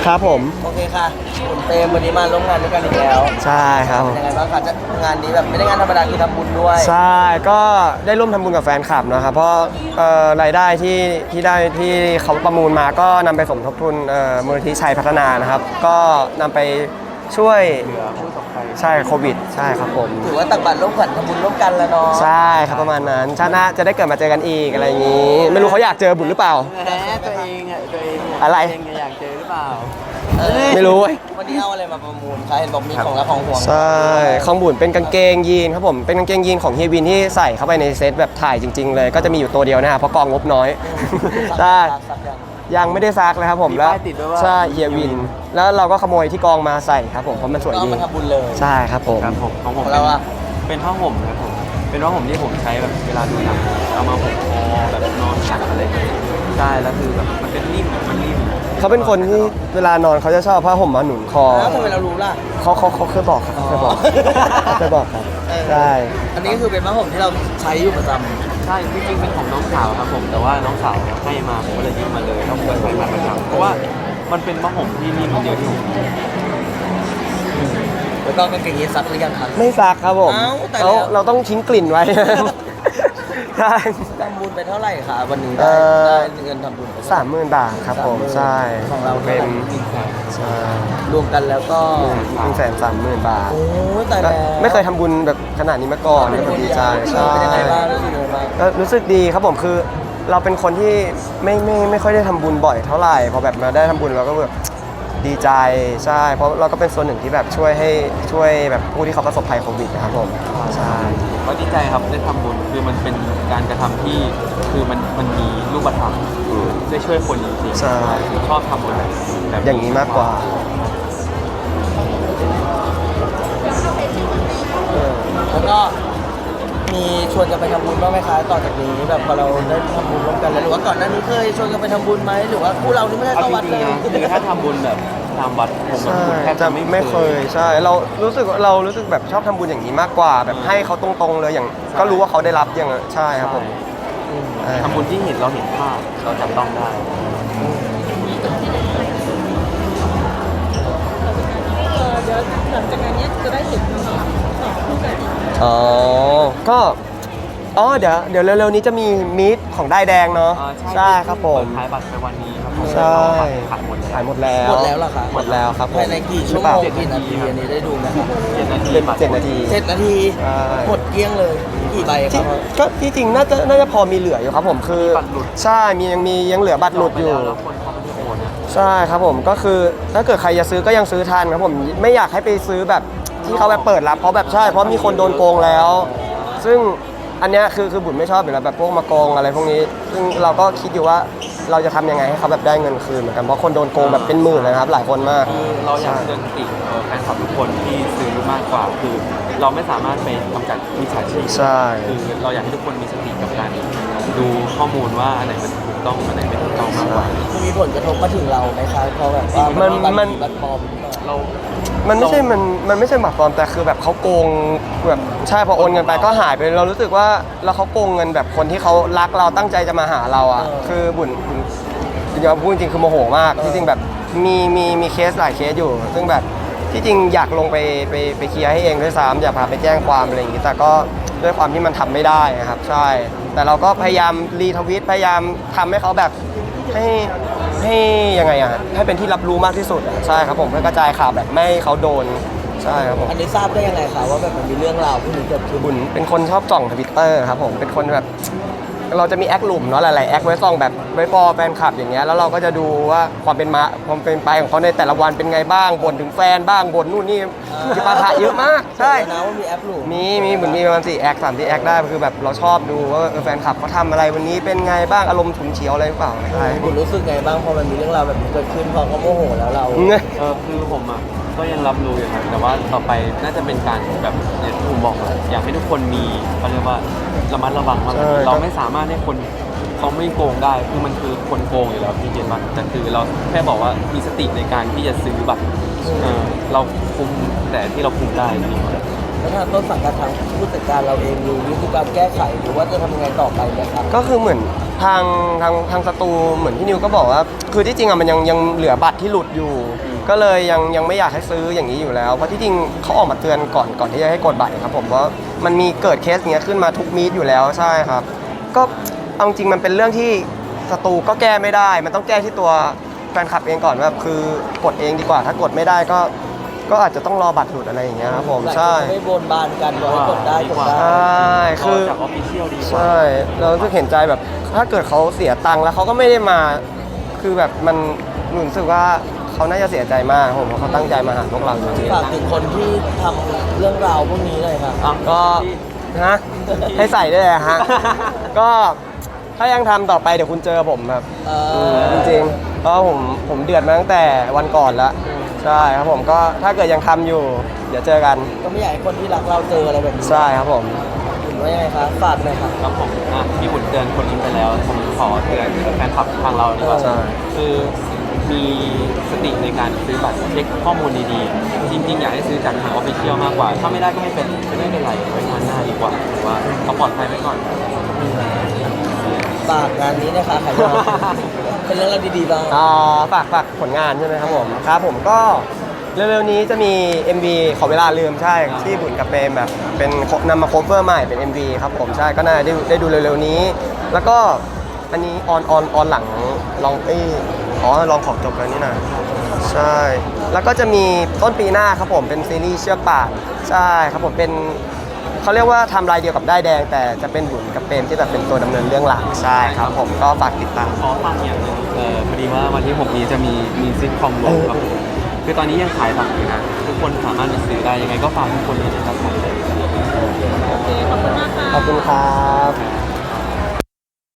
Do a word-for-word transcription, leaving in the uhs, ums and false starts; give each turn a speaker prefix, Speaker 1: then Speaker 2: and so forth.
Speaker 1: ครับผม
Speaker 2: โอเคค่ะคุณเต็มวันนี้มาร่วมงานด้วยกันอีกแล้ว
Speaker 1: ใช่ครับ
Speaker 2: เป็นยังไงบ้างคะจะงานนี้แบบไม่ได้งานธรรมดาคือทำบุญด้วย
Speaker 1: ใช่ก็ได้ร่วมทำบุญกับแฟนคลับนะครับเพราะเอ่อรายได้ที่ที่ได้ที่เขาประมูลมาก็นำไปสมทบทุนเอ่อมูลนิธิชัยพัฒนานะครับก็นำไปช่วย
Speaker 2: เหลือผู้ประสบภัย
Speaker 1: ใช่โควิดใช่ครับผม
Speaker 2: ถือว่าตักบาตรร่วมกันทำบุญร่วมกันแล้วเนาะ
Speaker 1: ใช่ครับประมาณนั้นชาติหน้าจะได้เกิดมาเจอกันอีกอะไรอย่างนี้ไม่รู้เขาอยากเจอบุญหรือเปล่า
Speaker 2: แหมตัวเองอ่ะตัวเอง
Speaker 1: อะไร
Speaker 2: อยากเจอหรือเปล่า
Speaker 1: ไม่รู้
Speaker 2: วันนี้เอาอะไรมาประมูลคะเห็นบอกมีของละของห่วง
Speaker 1: ใช่ของบุญเป็นกางเกงยีนครับผมเป็นกางเกงยีนของเฮียวินที่ใส่เข้าไปในเซตแบบถ่ายจริงๆเลยก็จะมีอยู่ตัวเดียวนะครับเพราะกองงบน้อยใช่ยังไม่ได้ซักเลยครับผมแล้วใช่เฮียวินแล้วเราก็ขโมยที่กองมาใส่ครับผมเพราะมันสวยดี
Speaker 2: มาทำบุญเลย
Speaker 1: ใช่ครับผม
Speaker 3: ครับผมของผม
Speaker 2: เราอะ
Speaker 3: เป็นผ้าห่มครับผมเป็นผ้าห่มที่ผมใช้แบบเวลาดูหนังเอามาห่มคอแบบนอนหลับอะไรใช่แล้วคือแบบมันเป็นนิ่มมันนิ่ม
Speaker 1: เขาเป็นคนที่เวลานอนเขาจะชอบผ้าห่มมาหนุนคอ
Speaker 2: แล้วทำไมเรารู้ล่ะ
Speaker 1: เขาเขาเขาเคยบอกครับเคยบอกเคยบอกครับใช่
Speaker 2: อันนี้ก็คือเป็นผ้าห่มที่เราใช้อยู่ประจำ
Speaker 3: ใช่จริงๆเป็นของน้องสาวครับผมแต่ว่าน้องสาวให้มาผมก็เลยยืมมาเลยแล้วผมก็ใช้มาประจำเพราะว่ามันเป็นผ้าห่มที่นิ่มเดียวที่ผม
Speaker 2: แล้วก็กางเกงยีนซักหรือยังครับ
Speaker 1: ไม่ซักครับผมเราเราต้องทิ้งกลิ่นไว้ใช่
Speaker 2: ทำบุญไปเท่าไหร่คะวันนี้ได้ได้เงินทำบุญ
Speaker 1: สามหมื่นบาทครับผมใช่
Speaker 2: ของเรา
Speaker 1: เป็นใช่
Speaker 2: รวมกันแล้วก็
Speaker 1: หนึ่งแสนสามหมื่นบาท
Speaker 2: โอ้แต่แล้ว
Speaker 1: ไม่เคยทำบุญแบบขนาดนี้มาก่อนก็ดีใจใช่ก็รู้สึกดีครับผมคือเราเป็นคนที่ไม่ไม่ไม่ค่อยได้ทำบุญบ่อยเท่าไหร่พอแบบมาได้ทำบุญเราก็แบบดีใจใช่เพราะเราก็เป็นส่วนหนึ่งที่แบบช่วยให้ช่วยแบบผู้ที่เขาประสบภัยโควิดนะครับผมใช่
Speaker 3: ก็ดีใจครับได้ทำบุญคือมันเป็นการกระทำที่คือมันมันมีรูปธรรมได้ช่วยคนจริงๆ
Speaker 1: ใช่
Speaker 3: ชอบทำบุญแบบ
Speaker 1: อย่างนี้มากกว่า
Speaker 2: แล้วก็มีชวนกันไปทำบุญบ้างไหมคะต่อจากนี้แบบพอเราได้ทำบุญร่วมกันแล้วหรือว่าก่อนหน้านี้เคยชวนกันไปทำบุญไหมหรือว่าคู่เรานี่ไม่ได้เข้าวัดเลย
Speaker 3: คือถ้าทำบุญแบบทำวัดผมแทบ
Speaker 1: จะ
Speaker 3: ไม่
Speaker 1: ไม่เคยใช่เรารู้สึกเรารู้สึกแบบชอบทำบุญอย่างนี้มากกว่าแบบให้เขาตรงๆเลยอย่างก็รู้ว่าเขาได้รับอย่างใช่ครับผม
Speaker 3: ทำบุญที่เห็นเราเห็นภาพเราจับต้องได้
Speaker 4: เดี๋ยวหลังจากงานนี้จะได้เห็นต่อคู่กันอีก
Speaker 1: อ๋อก็อ๋อเดี๋ยวเดี๋ยวเร็วๆนี้จะมีมีตของได้แดงเนาะใช่ครับผม
Speaker 3: ขายบัตรไปวันนี้ครับ
Speaker 1: ใช่
Speaker 3: ขายหมด
Speaker 1: ขายหมดแล้ว
Speaker 2: หมดแล้วเหรอคะ
Speaker 1: หมดแล้วครับ
Speaker 2: ภายในกี่ชั่วโมงกี่นาทีอันนี้ได้ดูไหมครับ
Speaker 3: เจ็ดนาที
Speaker 1: เจ็ดนาที
Speaker 2: เจ็ดนาทีหมดเกลี้ยงเลยกี่ใบครับ
Speaker 1: ก็ที่จริงน่าจะน่าจะพอมีเหลืออยู่ครับผมคือใช่มียังมียังเหลือบัตรหลุดอยู่ใช่ครับผมก็คือถ้าเกิดใครจะซื้อก็ยังซื้อทันครับผมไม่อยากให้ไปซื้อแบบที่เขาแบบเปิดรับเพราะแบบใช่เพราะมีคนโดนโกงแล้ว ซึ่งอันนี้คือคือบุญไม่ชอบอยู่แล้วแบบพวกมาโกงอะไรพวกนี้ซึ่งเราก็คิดอยู่ว่าเราจะทำยังไงให้เขาแบบได้เงินคืนเหมือนกันเพราะคนโดนโกงแบบเป็นหมื่นเลยครับหลายคนมาก
Speaker 3: คือเราอยากเตือนสติแฟนคลับทุกคนที่ซื้อมากกว่าคือเราไม่สามารถไปกำจัดมิจฉาชีพ
Speaker 1: ใช่
Speaker 3: คือเราอยากให้ทุกคนมีสติกับการดูข้อมูลว่าอันไหนมันถูกต้องอันไหนไม่ถูกต้องมากกว่า
Speaker 2: มีผลกระทบมาถึงเราไหมคะเพราะแบบว่า
Speaker 1: มันมัน
Speaker 2: บัตรปลอม
Speaker 3: เรา
Speaker 1: มันไม่ใช่มันมันไม่ใช่บัตรปลอมแต่คือแบบเขาโกงแบบใช่พอโอนเงินไปก็หายไปเรารู้สึกว่าแล้วเขาโกงเงินแบบคนที่เขารักเราตั้งใจจะมาหาเราอ่ะคือบุญจริงๆพูดจริงคือโมโหมากที่จริงแบบมีมีมีเคสหลายเคสอยู่ซึ่งแบบที่จริงอยากลงไปไปไปเคลียร์ให้เองด้วยซ้ำอยากพาไปแจ้งความอะไรอย่างงี้แต่ก็ด้วยความที่มันทำไม่ได้นะครับใช่แต่เราก็พยายามรีทวิตพยายามทำให้เขาแบบให้ให้ยังไงอ่ะให้เป็นที่รับรู้มากที่สุดใช่ครับผมเพื่อกระจายข่าวแบบไม่ให้เขาโดนใช่ครับผม
Speaker 2: อันนี้ทราบได้ยังไงคะว่าแบบมันมีเรื่องราวพวกนี้เกิดขึ้น
Speaker 1: บุญเป็นคนชอบส่องทวิตเตอร์ครับผมเป็นคนแบบเราจะมีแอคหลุมเนาะหลายๆแอคไว้ส่องแบบไว้ฟอแฟนคลับอย่างเงี้ยแล้วเราก็จะดูว่าความเป็นมาความเป็นไปของเขาในแต่ละวันเป็นไงบ้างบ่นถึงแฟนบ้างบ่นนู่นนี่ที่ปาฐะเยอะมากใช่
Speaker 2: นะว่ามีแอคหลุม
Speaker 1: มีมีเหมือนมีประมาณสี่แอคสามสี่แอคได้คือแบบเราชอบดูว่าแฟนคลับเขาทำอะไรวันนี้เป็นไงบ้างอารมณ์ฉุนเฉียวอะไรหรือเปล่าใช่
Speaker 2: คุณรู้สึกไงบ้างพอมันมีเรื่องราวแบบนี้เกิดขึ้นพอเขาโมโหแล้วเรา
Speaker 3: เออคือผมอ่ะก็ยังรับรู้อยู่ครับแต่ว่าต่อไปน่าจะเป็นการแบบอย่างที่ผมบอกอยากให้ทุกคนมีเขาเรียกว่าระมัดระวังมากเราไม่สามารถให้คนเขาไม่โกงได้คือมันคือคนโกงอยู่แล้วพี่เจนบัตแต่คือเราแค่บอกว่ามีสติในการที่จะซื้อบัตรเราคุมแต่ที่เราคุมได้นี่
Speaker 2: แล้วทางต้นสังกัดทางผู้จัดการเราเองมีวิธีการแก้ไขหรือว่าจะทำยังไงต่อไปไหมครับ
Speaker 1: ก็คือเหมือนทางทางทางสตูเหมือนพี่นิวก็บอกว่าคือที่จริงอ่ะมันยังยังเหลือบัตรที่หลุดอยู่ ก็เลยยังยังไม่อยากให้ซื้ออย่างนี้อยู่แล้วเพราะที่จริงเขาออกมาเตือนก่อนก่อนที่จะให้กดบัตรครับผมว่ามันมีเกิดเคสเนี้ยขึ้นมาทุกมีตอยู่แล้วใช่ครับก็เอาจริงมันเป็นเรื่องที่สตูก็แก้ไม่ได้ มันต้องแก้ที่ตัวแฟนคลับเองก่อนว่าคือกดเองดีกว่าถ้ากดไม่ได้ก็ก็อาจจะต้องรอบัตรหลุดอะไรอย่างเงี้ยครับผมใช่
Speaker 2: หลายคนไม่บนบานกันบอกให้กดได้กดได้
Speaker 1: ใช่คือ
Speaker 3: จากออฟฟิเชียลดีกว่า
Speaker 1: ใช่เรารู้สึกเห็นใจแบบถ้าเกิดเขาเสียตังค์แล้วเขาก็ไม่ได้มา คือแบบมันหนูรู้สึกว่าเขาน่าจะเสียใจมากผมเพราะเขาตั้งใจมาหาพวกเราจริง
Speaker 2: ฝากถึงคนที่ทำเรื่องราวพวกนี้เลยครับ
Speaker 3: อ่ะ
Speaker 1: ๆก็ฮะให้ใส่ได้เลยฮะ ก็ถ้ายังทำต่อไปเดี๋ยวคุณเจอผมครับ
Speaker 2: เอ
Speaker 1: ม
Speaker 2: อ
Speaker 1: จริงๆเพราะผมผมเดือดมาตั้งแต่วันก่อนแล้วใช่ครับผมก็ถ้าเกิดยังทำอยู่ เดี๋ยวเจอกัน
Speaker 2: ก็ไม่อยากให้คนที่รักเราเจออะไรแบบนี้
Speaker 1: ใช่ครับผม
Speaker 2: เห็นว่ายังไงครับฝากหน่อยครับ
Speaker 3: ครับผมอ่ะพี่บุญเตือนคนนี้ไปแล้วผมขอเตือนแฟนคลับทางเราดีกว่า
Speaker 1: ใช่
Speaker 3: คือมีสติในการซื้อบัตรเช็คข้อมูลดีๆ จริงๆ อยากให้ซื้อจากทางออฟฟิเชียลมากกว่า ถ้าไม่ได้ก็ไม่เป็นไม่เป็นไรไว้งานหน้าดีกว่าหรือว่าเอาปลอดภัยไว้ก่อน
Speaker 2: ฝากงานนี้นะคะขายยอดเป็นเรื่องราวดีๆบ้าง
Speaker 1: อ่าฝากฝากผลงานใช่ไหมครับผมครับผมก็เร็วๆนี้จะมี เอ็ม วี ขอเวลาลืมใช่ที่บุญกับเปรมแบบเป็นนำมาโคเวอร์ใหม่เป็น เอ็ม วี ครับผมใช่ก็น่าจะได้ได้ดูเร็วๆนี้ แล้วก็อันนี้ออนออนออนหลังลองเอ้ยอ๋อลองขอบจบแล้วนี่นะใช่ แล้วก็จะมีต้นปีหน้าครับผมเป็นซีรีส์เชือกป่านใช่ครับผมเป็นเขาเรียกว่าทำลายเดียวกับได้ายแดง แต่จะเป็นบุญกับเปรมที่แบบเป็นตัวดำเนินเรื่องหลักใช่ครับผมก็ฝากติดตาม
Speaker 3: ขอฝากอย่างหนึงเออพอดีว่าวันที่หกนี้จะมีมีซิทคอมลงครับผมคือตอนนี้ยังขายบัตรอยู่นะทุกคนสามารถไปซื้อได้ยังไงก็ฝากทุกคนเลยนะครับผม
Speaker 4: โอเคขอบคุณมากค่ะ
Speaker 1: ขอบคุณครับ